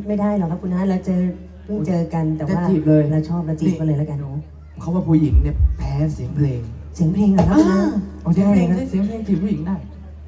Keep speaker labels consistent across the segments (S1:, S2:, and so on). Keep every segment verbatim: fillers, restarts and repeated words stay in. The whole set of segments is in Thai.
S1: ไม่ได้หรอกครับคุณน้าเราเจอเพิ่งเจอกันแต่ว่าเราชอบเราจีบกันเลยแล้วกันเนาะ
S2: เขาว่าผู้หญิงเนี่ยแพ้เสียงเพลง
S1: เสียงเพลงเหรอครับคุณน้า
S2: เอาเสียงเพลงได้เสียงเพลงจีบผู้หญิงได้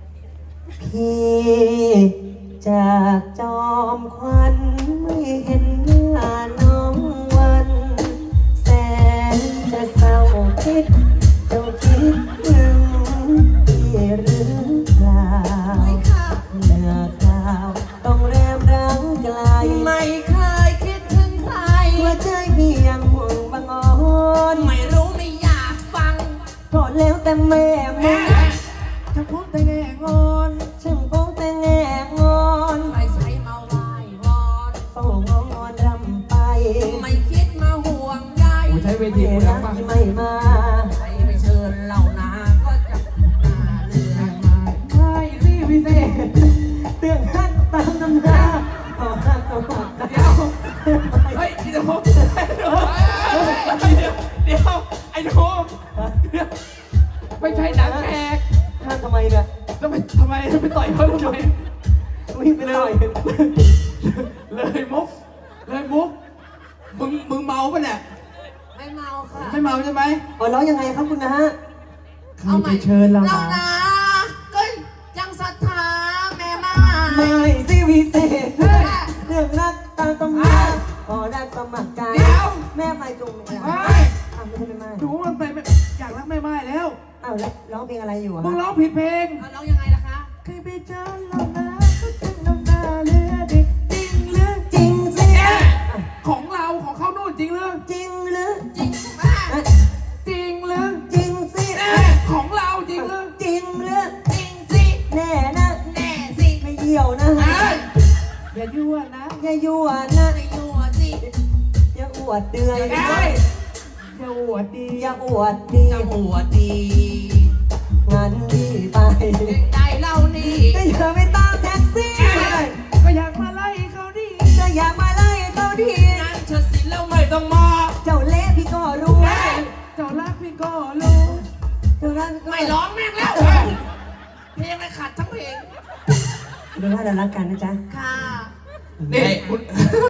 S1: พี่จากจอมควันไม่เห็นหน้าน้องวันแสนจะเศร้าคิดเจ้าคิดถึงพี่หรือเปล่าเนื้อข่าวต้องแรมรังไกล
S3: ไม่เคยคิดถึงใคร
S1: หัวใจพี่ยังห่วงบางอ่อน
S3: ไม่รู้ไม่อยากฟัง
S1: ก็แล้วแต่แม่แม่
S2: จะพูดแต่แง่งอน
S1: ช่างคงแต่แง่งอน
S3: ใครใช้มาไหว้วอน
S1: เฝ้างอนรำไป
S3: ไม่คิดมาห่วงใย
S2: ใช้เวทีกูดังมาก
S1: ไม่มา
S3: ใครไม่เชิญเหล่านาก็จะมาเรื่อง
S2: มาใช่ที่พิเศษ
S1: เตือนฮักตามน้ำหน้าต่อฮักต่อหัก
S2: เดี๋ยวเฮ้ยเดี๋ยวเดี๋ยวเดี๋ยวไอ้โน้มไม่ใช่หนังแขก
S1: ห้ามทำไมเนี่ย
S2: แล้วไปทำไมไปต่อยเขาทำไม
S1: วิ่งไปเลย
S2: เลยมุกเลยมุกมึงมึงเมาปะเนี่ย
S3: ไม่เมาค่ะ
S2: ไม่เมาใช่ไหม
S1: อ๋อแล้วยังไงครับคุณนะฮะ
S3: เอาใหม่
S2: เชิญเรา
S3: เรานะก็ยังศรัทธาแม่มา
S1: ไม่สิวิเศษเรื่องรักตาต้องมาพอรักสมัครใจแม่ไปจุ่มไม่ได้อ้าวไม่ใช่แม่ไม้
S2: ดูมันไปอยากรักแม่ไม้แล้ว
S1: อ้าวแล้วร้องเพลงอะไรอยู่
S2: มึงร้องผิดเพลง
S3: ร้องยังไงล่ะคะ
S1: เคยไปเจอเรานะก็จึงน้ำตาเลือดจริงหรือจริงสิ
S2: ของเราของเขาโน่นจริงหรือ
S1: จริงหรือ
S3: จริง
S2: จริงหรือ
S1: จริงสิ
S2: ของเราจริงหรือ
S1: จริงหรือ
S3: จริงสิ
S1: แน่นะ
S3: แน่สิ
S1: ไม่เหี่ยวนะ
S2: อย่ายั่วนะ
S1: อย่ายั่วนะ
S3: ไม่ยั่วสิ
S1: อย่าอวดเดือย
S2: อย่าอวดดี
S1: อย่าอวดดี
S3: จะอวดดี
S1: งั้นดีไป
S3: ใจเล่านี่
S1: ก็อย่าไปตามแท็กซี่
S2: ก็อยากมาไล่เขาดี
S1: ก็อยากมาไล่เขาดี
S3: นั่นเชิดสิแล้วไม่ต้องมา
S1: เจ้าเละพี่ก็รู้
S2: เจ้ารักพี่ก็รู้
S1: เจ้ารัก
S3: ไม่ร้องแม่งแล้วเพลงไม่ขัดทั้งเพลง
S1: ดูว่าเรารักกันนะจ๊ะ
S3: ค่ะ
S2: นี่คุณ